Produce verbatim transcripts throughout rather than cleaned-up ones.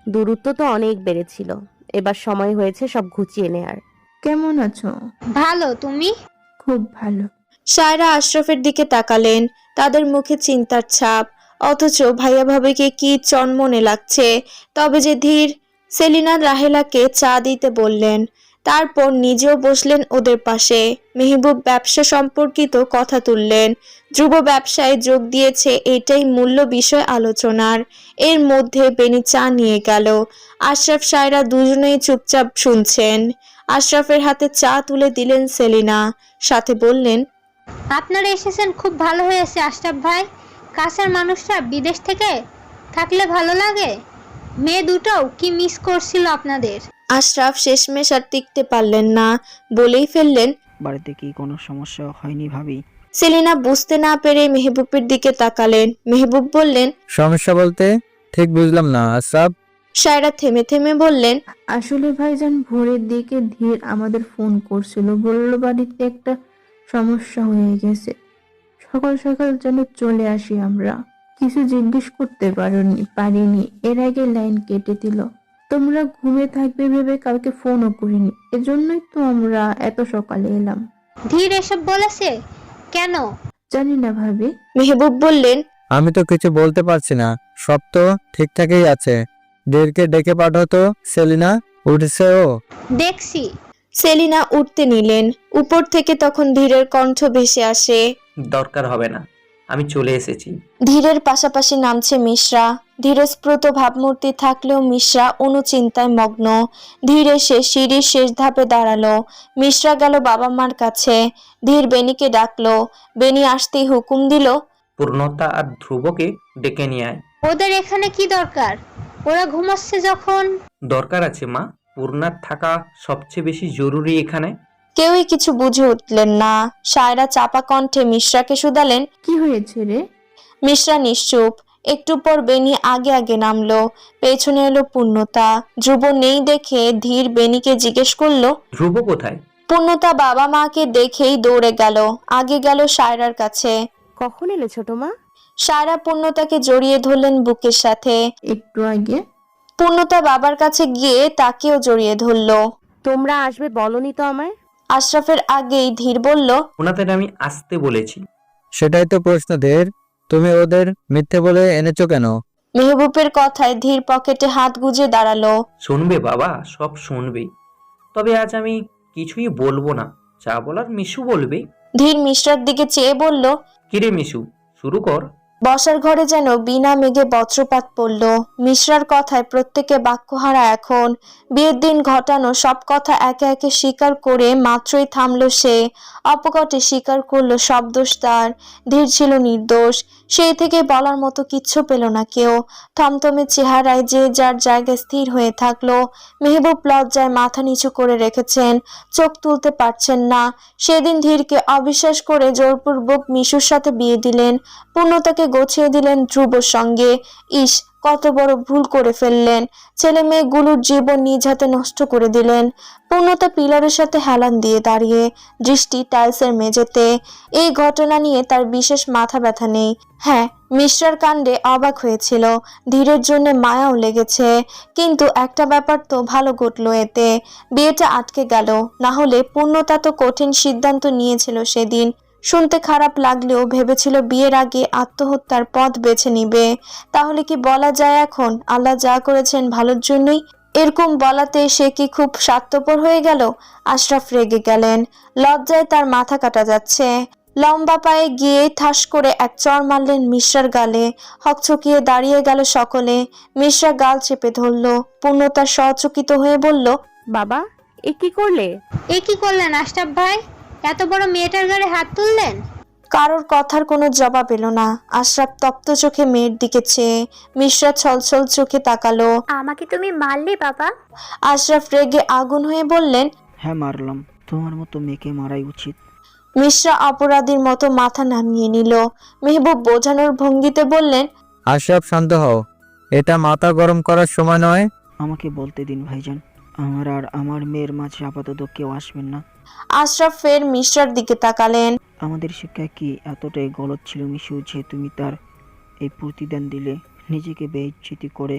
দূরত্ব তো অনেক বেড়েছিল, এবার সময় হয়েছে সব ঘুচিয়ে নেয়ার। কেমন আছো? ভালো, তুমি? খুব ভালো। সায়রা আশরাফের দিকে তাকালেন, তাদের মুখে চিন্তার ছাপ, অথচ ভাইয়া ভাবিকে কি চনমনে লাগছে। তবে যে ধীর। সেলিনা রাহেলাকে চা দিতে বললেন, তারপর নিজেও বসলেন ওদের পাশে। মেহবুব ব্যবসা সম্পর্কিত কথা তুললেন। ধ্রুব ব্যবসায় যোগ দিয়েছে, এটাই মূল্য বিষয় আলোচনার। এর মধ্যে বেনি চা নিয়ে গেল। আশরাফ সায়রা দুজনেই চুপচাপ শুনছেন। আশরাফের হাতে চা তুলে দিলেন সেলিনা, সাথে বললেন, আপনারা এসেছেন, খুব ভালো হয়েছে আশরাফ ভাই। কাছের মানুষরা বিদেশ থেকে থাকলে ভালো লাগে। মেয়ে দুটোও কি মিস করছিল আপনাদের। আশরাফ শেষমেশ আর টিকতে পারলেন না, বলেই ফেললেন, বাড়িতে কি কোনো সমস্যা হয়নি ভাবি? সেলিনা বুঝতে না পেরে মেহবুবের দিকে তাকালেন। মেহবুব বললেন, সমস্যা বলতে ঠিক বুঝলাম না আশরাফ। সায়রা থেমে থেমে বললেন, আসলে ভাইজান ভোরের দিকে ধীর আমাদের ফোন করছিল, বলল বাড়িতে একটা সমস্যা হয়ে গেছে, সকাল সকাল যেন চলে আসি আমরা। কিছু জিজ্ঞেস করতে পারিনি পারিনি এর আগে লাইন কেটে দিল। তোমরা ঘুমে থাকবে ভেবে কালকে ফোনও করিনি, এজন্যই তো আমরা এত সকালে এলাম। ধীর এসব বলেছে কেন? জানি না ভাবি। মেহবুব বললেন, আমি তো কিছু বলতে পারছি না, সব তো ঠিকঠাকই আছে। দেরকে ডেকে পাঠাতো। সেলিনা উঠেছে ও? দেখছি। সেলিনা উঠতে নিলেন। উপর থেকে তখন ধীরের কণ্ঠ ভেসে আসে, দরকার হবে না, আমি চলে এসেছি। ধীরের পাশাপাশি নামছে মিশ্রা। ধীরস্প্রুত ভাবমূর্তি থাকলেও মিশ্রা অনুচিন্তায় মগ্ন। ধীর এসে সিঁড়ির শেষ ধাপে দাঁড়ালো। মিশ্রা গেল বাবা মার কাছে। ধীর বেনিকে ডাকলো। বেনি আসতেই হুকুম দিল, পূর্ণতা আর ধ্রুবকে ডেকে নিয়ে আয়। ওদের এখানে কি দরকার? ওরা ঘুমাচ্ছে যখন। দরকার আছে মা, পূর্ণার থাকা সবচেয়ে বেশি জরুরি এখানে। কেউই কিছু বুঝে উঠলেন না। সায়রা চাপা কণ্ঠে মিশ্রাকে শুধালেন। কি হয়েছে রে? মিশ্রা নিশ্চুপ। একটু পর বেনি আগে আগে নামলো। পেছনে এলো পূর্ণতা। ধ্রুব নেই দেখে ধীর বেনিকে জিজ্ঞেস করলো, ধ্রুব কোথায়? পূর্ণতা বাবা মাকে দেখেই দৌড়ে গেল। আগে গেল সায়রার কাছে। কখন এলে ছোট মা? সায়রা পূর্ণতাকে জড়িয়ে ধরলেন বুকের সাথে। একটু আগে। পূর্ণতা বাবার কাছে গিয়ে তাকেও জড়িয়ে ধরলো। তোমরা আসবে বলনি তো আমায়? আশরাফের আগেই ধীর বলল, ওনাদের আমি আসতে বলেছি। সেটাই তো প্রশ্ন দের, তুমি ওদের মিথ্যে বলে এনেছো কেন? মেহবুবের কথায় ধীর পকেটে হাত গুজে দাঁড়ালো। শুনবে বাবা, সব শুনবে। তবে আজ আমি কিছুই বলবো না, যা বলার মিশু বলবে। ধীর মিশ্রার দিকে চেয়ে বলল, কিরে মিশু, শুরু কর। বসার ঘরে যেন বিনা মেঘে বজ্রপাত পড়ল। মিশ্রার কথায় প্রত্যেকে বাক্যহারা এখন। বিয়ের দিন ঘটানো সব কথা একে একে স্বীকার করে মাত্রই থামল সে। অপকটে স্বীকার করলো সব দোষ তার। ধীর ছিল নির্দোষ। সেই থেকে বলার মতো কিচ্ছু পেল না কেউ। থমথমে চেহারায় যে যার জায়গায় স্থির হয়ে থাকলো। মেহবুব লজ্জায় মাথা নিচু করে রেখেছেন, চোখ তুলতে পারছেন না। সেদিন ধীরকে অবিশ্বাস করে জোরপূর্বক মিশুর সাথে বিয়ে দিলেন। পূর্ণতাকে গোছিয়ে দিলেন ধ্রুবর সঙ্গে। ইস, কত বড় ভুল করে ফেললেন। ছেলে মেয়েগুলোর জীবন নিজ হাতে নষ্ট করে দিলেন। পূর্ণতা পিলারের সাথে হেলান দিয়ে দাঁড়িয়ে, দৃষ্টি টাইলসের মেঝেতে। এই ঘটনা নিয়ে তার বিশেষ মাথা ব্যথা নেই। হ্যাঁ, মিশ্রার কাণ্ডে অবাক হয়েছিল, ধীরের জন্য মায়াও লেগেছে। কিন্তু একটা ব্যাপার তো ভালো ঘটলো এতে, বিয়েটা আটকে গেল। না হলে পূর্ণতা তো কঠিন সিদ্ধান্ত নিয়েছিল সেদিন। শুনতে খারাপ লাগলেও ভেবেছিল বিয়ের আগে আত্মহত্যার পথ বেছে নিবে। তাহলে কি বলা যায় এখন আল্লাহ যা করেছেন ভালোর জন্যই? এরকম বলাতে সে কি খুব স্বার্থপর হয়ে গেল? আশরাফ রেগে গেলেন। লজ্জায় তার মাথা কাটা যাচ্ছে। লম্বা পায়ে গিয়ে ঠাস করে এক চড় মারলেন মিশ্রার গালে। হকচকিয়ে দাঁড়িয়ে গেল সকলে। মিশ্রা গাল চেপে ধরল। পূর্ণতা সচকিত হয়ে বলল, বাবা, এ কি করলে? এ কি করলেন আশরাফ ভাই? এত বড় মেয়েটার গায়ে হাত তুললেন? কারোর কথার কোনো জবাব এলো না। আশরাফ তপ্ত চোখে মেয়ের দিকে চেয়ে। মিশ্রা ছলছল চোখে তাকালো। আমাকে তুমি মারলে বাবা? আশরাফ রেগে আগুন হয়ে বললেন, হ্যাঁ মারলাম, তোমার মতো মেয়েকে মারাই উচিত। মিশ্রা অপরাধীর মতো মাথা নামিয়ে নিল। মেহবুব বোঝানোর ভঙ্গিতে বললেন, আশরাফ শান্ত হও, এটা মাথা গরম করার সময় নয়। আমাকে বলতে দিন ভাইজান, আমার আর আমার মেয়ের মাঝে আপাতত কেউ আসবেন না। আশরাফ ফের মিশ্রার দিকে তাকালেন। আমাদের শিক্ষায় কি এতটাই গলত ছিল মিশু যে তুমি তার এই প্রতিদান দিলে? নিজেকে বেইজ্জতি করে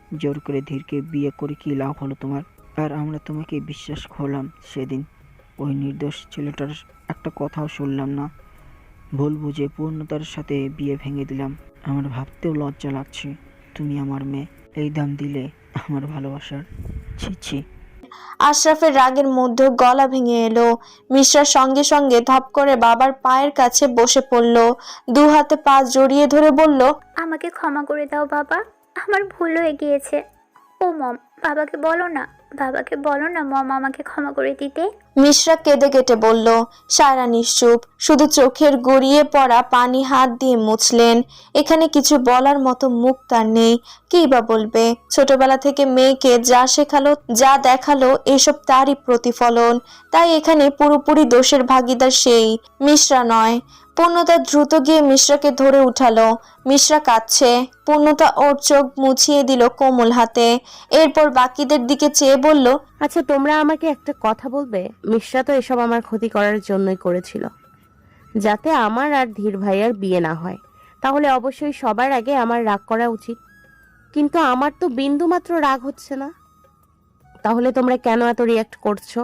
জোর করে ধীরকে বিয়ে করে কি লাভ হলো তোমার? আর আমরা তোমাকে বিশ্বাস করলাম সেদিন, ওই নির্দোষ ছেলেটার একটা কথাও শুনলাম না। ভুল বুঝে পূর্ণতার সাথে বিয়ে ভেঙে দিলাম। আমার ভাবতেও লজ্জা লাগছে, তুমি আমার মেয়ে, এই দাম দিলে আমার ভালোবাসার। ছি ছি। আশরাফের রাগের মধ্যে গলা ভেঙে এলো। মিশ্রার সঙ্গে সঙ্গে ধপ করে বাবার পায়ের কাছে বসে পড়ল, দু হাতে পা জড়িয়ে ধরে বলল, আমাকে ক্ষমা করে দাও বাবা, আমার ভুল হয়ে গিয়েছে। ও মম, বাবাকে বলো না, বাবাকে বলো না মম আমাকে ক্ষমা করে দিতে। মিশ্রা কেঁদে কেটে বলল। সায়রা নিশ্চুপ, শুধু চোখের গড়িয়ে পড়া পানি হাত দিয়ে মুছলেন। এখানে কিছু বলার মতো মুখ তার নেই, কী বা বলবে। ছোটবেলা থেকে মেয়েকে যা শেখালো, যা দেখালো, এসব তারই প্রতিফলন। তাই এখানে পুরোপুরি দোষের ভাগীদার সেই, মিশ্রা নয়। পূর্ণতা দ্রুত গিয়ে মিশ্রাকে ধরে উঠালো। মিশ্রা কাঁদছে। পূর্ণতা ওর চোখ মুছিয়ে দিল কোমল হাতে। এরপর বাকিদের দিকে চেয়ে বলল, আচ্ছা তোমরা আমাকে একটা কথা বলবে? মিশ্রা তো এসব আমার ক্ষতি করার জন্যই করেছিল, যাতে আমার আর ধীর ভাইয়ার বিয়ে না হয়। তাহলে অবশ্যই সবার আগে আমার রাগ করা উচিত, কিন্তু আমার তো বিন্দু মাত্র রাগ হচ্ছে না। তাহলে তোমরা কেন এত রিয়াক্ট করছো?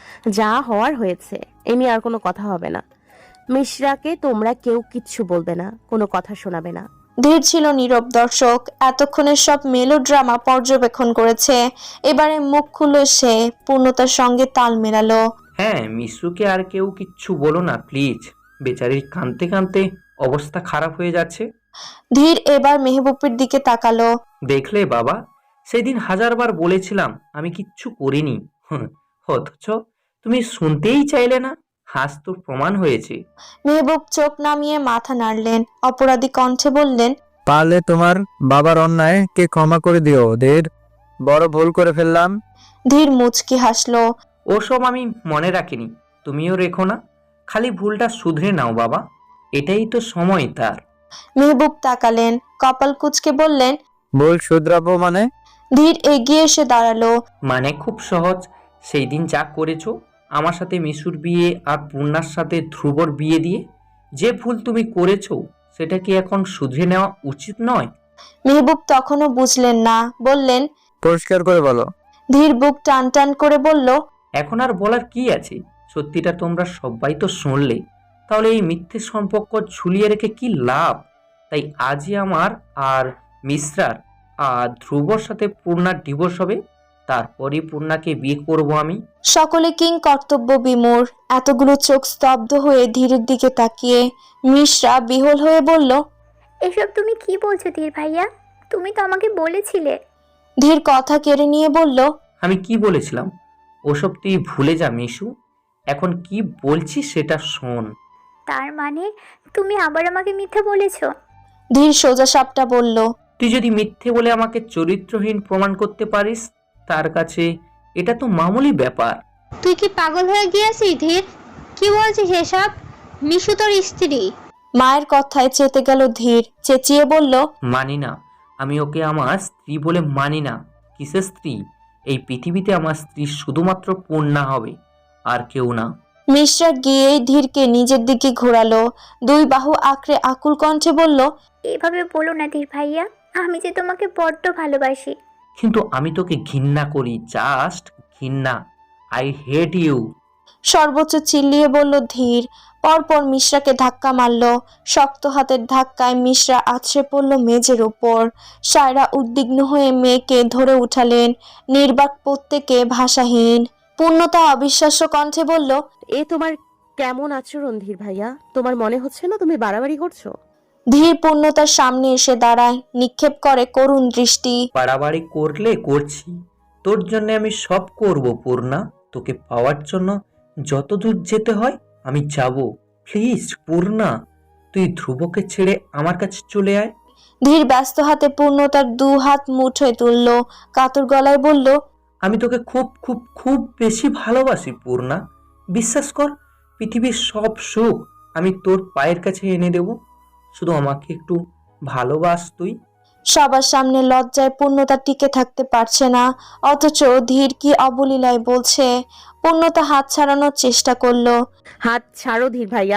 যা হওয়ার হয়েছে, এ নিয়ে আর কোনো কথা হবে না। মিশ্রাকে তোমরা কেউ কিচ্ছু বলবে না, কোনো কথা শোনাবে না। ধীর ছিল নীরব দর্শক, এতক্ষণের সব মেলোড্রামা পর্যবেক্ষণ করেছে। এবারে মুখ খুলল সে, পূর্ণতার সঙ্গে তাল মেলালো। হ্যাঁ, মিশুকে আর কেউ কিচ্ছু বলো না প্লিজ, বেচারির কাঁদতে কাঁদতে অবস্থা খারাপ হয়ে যাচ্ছে। ধীর এবার মেহবুবের দিকে তাকালো। দেখলে বাবা, সেদিন হাজারবার বলেছিলাম আমি কিচ্ছু করিনি, হুঁ, অথচ তুমি শুনতেই চাইলে না। হাস তো প্রমাণ হয়েছে। মেহবুব চোখ নামিয়ে মাথা নাড়লেন, অপরাধী কণ্ঠে বললেন, পারলে তোমার বাবার অন্যায় কে ক্ষমা করে দিও ধীর, বড় ভুল করে ফেললাম। ধীর মুচকি হাসলো। ওসব আমি মনে রাখিনি, তুমিও রেখো না। খালি ভুলটা শুধরে নাও বাবা, এটাই তো সময় তার। মেহবুব তাকালেন, কপাল কুঁচকে বললেন, ভুল শুধরাবো মানে? ধীর এগিয়ে এসে দাঁড়ালো। মানে খুব সহজ, সেই দিন যা করেছো আমার সাথে মিশুর বিয়ে আর পূর্ণার সাথে ধ্রুবর বিয়ে দিয়ে, যে ভুল তুমি করেছো সেটা কি এখন শুধরে নেওয়া উচিত নয়? মেহবুব তখনও বুঝলেন না, বললেন, পরিষ্কার করে বলো। ধীর বুক টান টান করে বলল, এখন আর বলার কি আছে, সত্যিটা তোমরা সবাই তো শুনলে, তাহলে এই মিথ্যে সম্পর্ক ঝুলিয়ে রেখে কি লাভ? তাই আজই আমার আর মিশ্রার আর ধ্রুবর সাথে পূর্ণার ডিভোর্স হবে, তারপরই পূর্ণাকে বিয়ে করব আমি। সকলে কিং কর্তব্য বিমূঢ়, এতগুলো চোখ স্তব্ধ হয়ে ধীরের দিকে তাকিয়ে। মিশ্রা বিহল হয়ে বলল, এসব তুমি কি বলছো ধীর ভাইয়া? তুমি তো আমাকে বলেছিলে। ধীর কথা কেড়ে নিয়ে বলল, আমি কি বলেছিলাম ওসব তুই ভুলে যা মিশু, এখন কি বলছি সেটা শোন। তার মানে তুমি আবার আমাকে মিথ্যা বলেছো? ধীর সোজা সাপটা বলল, তুই যদি মিথ্যে বলে আমাকে চরিত্রহীন প্রমাণ করতে পারিস, তার কাছে এটা তো মামুলি ব্যাপার। তুই কি পাগল হয়ে গিয়েছিস ধীর? কি বলছিস এসব? মিশু তোর স্ত্রী। মায়ের কথায় চেতে গেল ধীর, চেঁচিয়ে বলল, মানি না, আমি ওকে আমার স্ত্রী বলে মানি না। কিসের স্ত্রী? এই পৃথিবীতে আমার স্ত্রী শুধুমাত্র পূর্ণা হবে, আর কেউ না। মিশ্রা গিয়েই ধীরকে নিজের দিকে ঘোরালো, দুই বাহু আঁকড়ে আকুল কণ্ঠে বলল, এভাবে বলো না ধীর ভাইয়া, আমি যে তোমাকে বড্ড ভালোবাসি। কিন্তু আমি তোকে ঘৃণা করি, জাস্ট ঘৃণা। I hate you. সর্বোচ্চ চিল্লিয়ে বলল ধীর। পরপর মিশ্রাকে ধাক্কা মারল। শক্ত হাতের ধাক্কায় মিশ্রা আছড়ে পড়ল মেঝের উপর। সায়রা উদ্বিগ্ন হয়ে মেয়েকে ধরে উঠালেন, নির্বাক প্রত্যেকে ভাষাহীন। পূর্ণতা অবিশ্বাস্য কণ্ঠে বলল, এ তোমার কেমন আচরণ ধীর ভাইয়া? তোমার মনে হচ্ছে না তুমি বাড়াবাড়ি করছো? ধীর পূর্ণতার সামনে এসে দাঁড়ায়, নিক্ষেপ করে করুণ দৃষ্টি। বাড়াবাড়ি করলে করছি, তোর জন্য আমি সব করব পূর্ণা। তোকে পাওয়ার জন্য যত দূর যেতে হয় আমি যাব। প্লিজ পূর্ণা, তুই ধ্রুবকে ছেড়ে আমার কাছে চলে আয়। ধীর ব্যস্ত হাতে পূর্ণতার দু হাত মুঠোয় তুলল, কাতর গলায় বলল, আমি তোকে খুব খুব খুব বেশি ভালোবাসি পূর্ণা। বিশ্বাস কর, পৃথিবীর সব সুখ আমি তোর পায়ের কাছে এনে দেব, শুধু আমাকে একটু ভালোবাস তুই। সবার সামনে লজ্জায় পূর্ণতা টিকে থাকতে পারছে না, অথচ ধীর কি অবলীলায় বলছে। পূর্ণতা হাত ছাড়ানোর চেষ্টা করলো। হাত ছাড়ো ধীর ভাইয়া,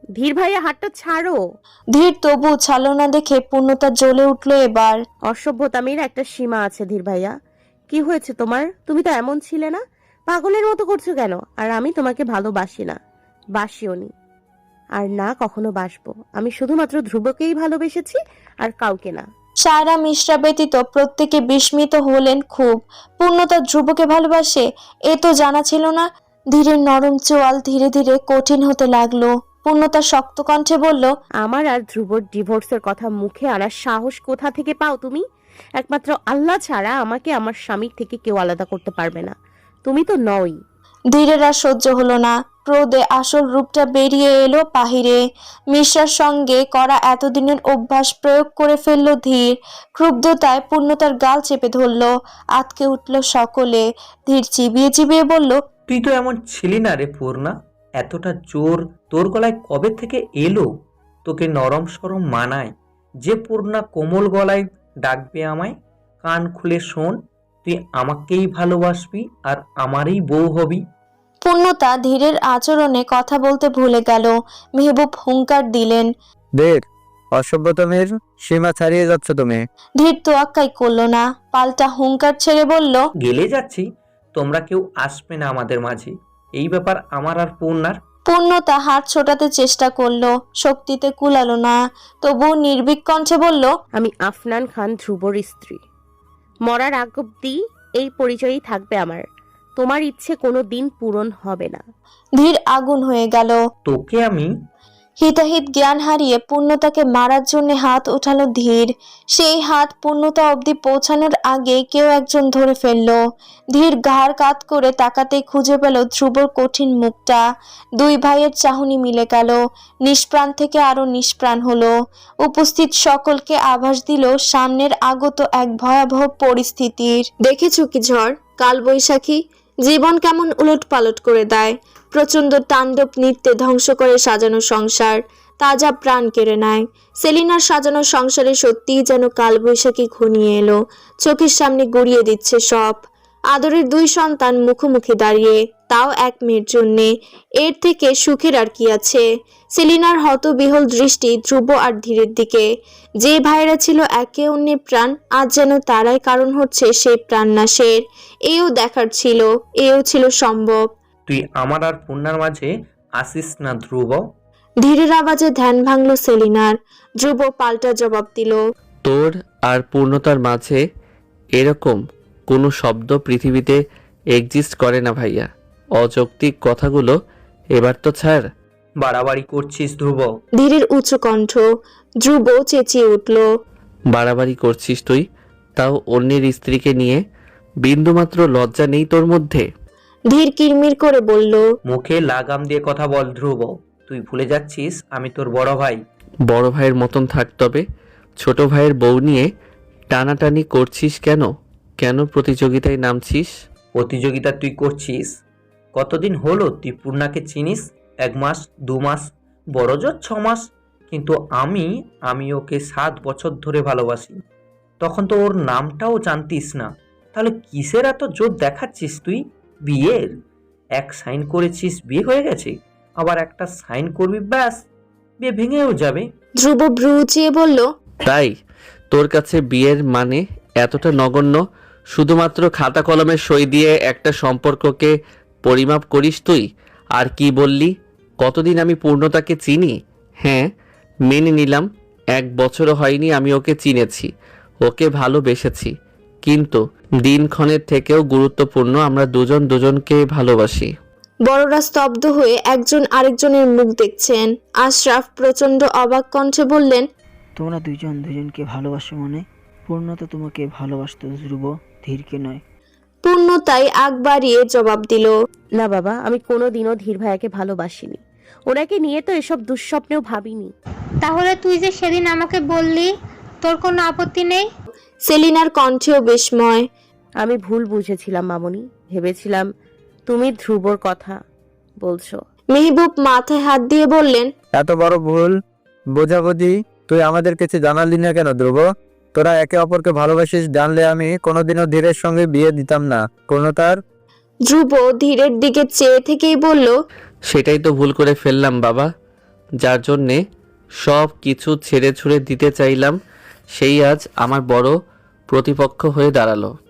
ধীর ভাইয়া হাতটা ছাড়ো। ধীর তবু ছাড়লো না দেখে পূর্ণতা জ্বলে উঠলো এবার। অসভ্যতামির একটা সীমা আছে ধীর ভাইয়া। কি হয়েছে তোমার? তুমি তো এমন ছিলে না, পাগলের মতো করছো কেন? আর আমি তোমাকে ভালোবাসি না, বাসিও নি, আর না কখনো বাসবো। আমি শুধুমাত্র ধ্রুবকেই ভালোবেসেছি, আর কাউকে না। সায়রা মিশ্রা ব্যতীত প্রত্যেকে বিস্মিত হলেন খুব। পূর্ণতা ধ্রুবকে ভালোবাসে, এ তো জানা ছিল না। ধীরের নরম চোয়াল ধীরে ধীরে কঠিন হতে লাগলো। পূর্ণতা শক্ত কণ্ঠে বলল, আমার আর ধ্রুবর ডিভোর্সের কথা মুখে আনার সাহস কোথা থেকে পাও তুমি? একমাত্র আল্লাহ ছাড়া আমাকে আমার স্বামীর থেকে কেউ আলাদা করতে পারবে না। তুমি তো নই। ধীরের আর সহ্য হলো না। ক্রোধে আসল রূপটা বেরিয়ে এলো বাহিরে। মিশ্রার সঙ্গে করা এতদিনের অভ্যাস প্রয়োগ করে ফেললো ধীর। ক্ষুব্ধতায় পূর্ণতার গাল চেপে ধরলো। আতকে উঠল সকলে। ধীর চিবিয়ে চিবিয়ে বলল, তুই তো এমন ছিলি না রে পূর্ণা। এতটা জোর তোর গলায় কবে থেকে এলো? তোকে নরম সরম মানায় যে পূর্ণা কোমল গলায় ডাকবে আমায়? কান খুলে শোন, তুই আমাকেই ভালোবাসবি আর আমারই বউ হবি। পূর্ণতা ধীরের আচরণে কথা বলতে ভুলে গেল। মেহবুব হুঙ্কার দিলেন। দের অসভ্যতমের সীমা ছাড়িয়ে যাচ্ছ তুমি। ধীর তোয়াক্কাই করলো না, পাল্টা হুঙ্কার ছেড়ে বলল, গেলে যাচ্ছি, তোমরা কেউ আসবে না আমাদের মাঝে। এই ব্যাপার আমার আর পূর্ণার। পূর্ণতা হাত ছোটাতে চেষ্টা করলো, শক্তিতে কুলালো না। তবু নির্ভীক কণ্ঠে বলল, আমি আফনান খান ধ্রুবর স্ত্রী। মরার আগ অব্দি এই পরিচয়ই থাকবে আমার। তোমার ইচ্ছে কোনো দিন পূরণ হবে না। ধীর আগুন হয়ে গেল। তোকে আমি হিতাহিত জ্ঞান হারিয়ে পূর্ণতাকে মারার জন্য হাত উঠালো ধীর। সেই হাত পূর্ণতা অবধি পৌঁছানোর আগে কেউ একজন ধরে ফেললো। ধীর ঘাড় কাত করে তাকাতেই খুঁজে পেল ধ্রুবর কঠিন মুখটা। দুই ভাইয়ের চাহনি মিলে গেল, নিষ্প্রাণ থেকে আরো নিষ্প্রাণ হলো। উপস্থিত সকলকে আভাস দিল সামনের আগত এক ভয়াবহ পরিস্থিতির। দেখেছো কি ঝড়, কাল বৈশাখী জীবন কেমন উলট পালট করে দেয়। প্রচন্ড তাণ্ডব নৃত্যে ধ্বংস করে সাজানো সংসার, তাজা প্রাণ কেড়ে নেয়। সেলিনার সাজানো সংসারে সত্যিই যেন কালবৈশাখী ঘনিয়ে এলো। চোখের সামনে গড়িয়ে দিচ্ছে সব। আদরের দুই সন্তান মুখোমুখি দাঁড়িয়ে, তাও এক মেয়ের জন্যে। এর থেকে সুখের আর কি আছে? সেলিনার হতবিহল দৃষ্টি ধ্রুব আর ধীরের দিকে। যে ভাইরা ছিল একে অন্যের প্রাণ, আজ যেন তারাই কারণ হচ্ছে সেই প্রাণনাশের। এও দেখার ছিল, এও ছিল সম্ভব। তুই আমার আর পূর্ণার মাঝে আসিস না ধ্রুব। ধীরের আওয়াজে ধ্যান ভাঙল সেলিনার। ধ্রুব পাল্টা জবাব দিল, তোর আর পূর্ণতার মাঝে এরকম কোনো শব্দ পৃথিবীতে এক্সিস্ট করে না ভাইয়া। অযৌক্তিক কথাগুলো এবার তো ছাড়। বাড়াবাড়ি করছিস ধ্রুব। ধীরের উচ্চ কণ্ঠ। ধ্রুব চেঁচিয়ে উঠল, বাড়াবাড়ি করছিস তুই, তাও অন্যের স্ত্রীকে নিয়ে? বিন্দুমাত্র লজ্জা নেই তোর মধ্যে? ধীর কিরমির করে বলল, মুখে লাগাম দিয়ে কথা বল ধ্রুব। তুই ভুলে যাচ্ছিস আমি তোর বড় ভাই। বড় ভাইয়ের মতন থাক, তবে ছোট ভাইয়ের বউ নিয়ে টানাটানি করছিস কেন? কেন প্রতিযোগিতায় নামছিস? প্রতিযোগিতা তুই করছিস? কতদিন হলো তুই পূর্ণাকে চিনিস? এক মাস, দু মাস, বড় জোর ছ মাস। কিন্তু আমি আমি ওকে সাত বছর ধরে ভালোবাসি। তখন তো ওর নামটাও জানতিস না। তাহলে কিসের এত জোর দেখাচ্ছিস তুই? বিয়ের এক সাইন করেছিস, বিয়ে হয়ে গেছে। আবার একটা সাইন করবি, ব্যাস বিয়ে ভেঙেও যাবে। ধ্রুব ভ্রু উঁচিয়ে বলল, তাই তোর কাছে বিয়ের মানে এতটা নগণ্য? শুধুমাত্র খাতা কলমের সই দিয়ে একটা সম্পর্ককে পরিমাপ করিস তুই? আর কি বললি, কতদিন আমি পূর্ণতাকে চিনি? হ্যাঁ, মেনে নিলাম এক বছরও হয়নি আমি ওকে চিনেছি, ওকে ভালোবেসেছি। কিন্তু দিনক্ষণের থেকেও গুরুত্বপূর্ণ, আমরা দুজন দুজনকে ভালোবাসি। বড়রা স্তব্ধ হয়ে একজন আরেকজনের মুখ দেখছেন। আশরাফ প্রচন্ড অবাক কণ্ঠে বললেন, তোমরা দুইজন দুজনকে ভালোবাসো মানে? পূর্ণতা তোমাকে ভালোবাসতো ধ্রুব, ধীরকে নয়। পূর্ণতাই আগ বাড়িয়ে জবাব দিল, না বাবা, আমি কোনোদিনও ধীর ভাইয়াকে ভালোবাসিনি। ওনাকে নিয়ে তো এসব দুঃস্বপ্নেও ভাবিনি। তাহলে তুই যে সেদিন আমাকে বললি তোর কোনো আপত্তি নেই? সেলিনার কণ্ঠেও বিস্ময়। আমি ভুল বুঝেছিলাম মামনি, ভেবেছিলাম তুমি ধ্রুবর কথা বলছো। মেহবুব মাথায় হাত দিয়ে বললেন, এত বড় ভুল বোঝাবুঝি তুই আমাদের কাছে জানালি না কেন ধ্রুব? তোরা একে অপরকে ভালোবাসিস জানলে আমি কোনোদিনও ধীরের সঙ্গে বিয়ে দিতাম না। কোনো তার ধ্রুব ধীরের দিকে চেয়ে থেকেই বলল, সেটাই তো ভুল করে ফেললাম বাবা। যার জন্যে সব কিছু ছেড়ে ছুড়ে দিতে চাইলাম, সেই আজ আমার বড় প্রতিপক্ষ হয়ে দাঁড়ালো।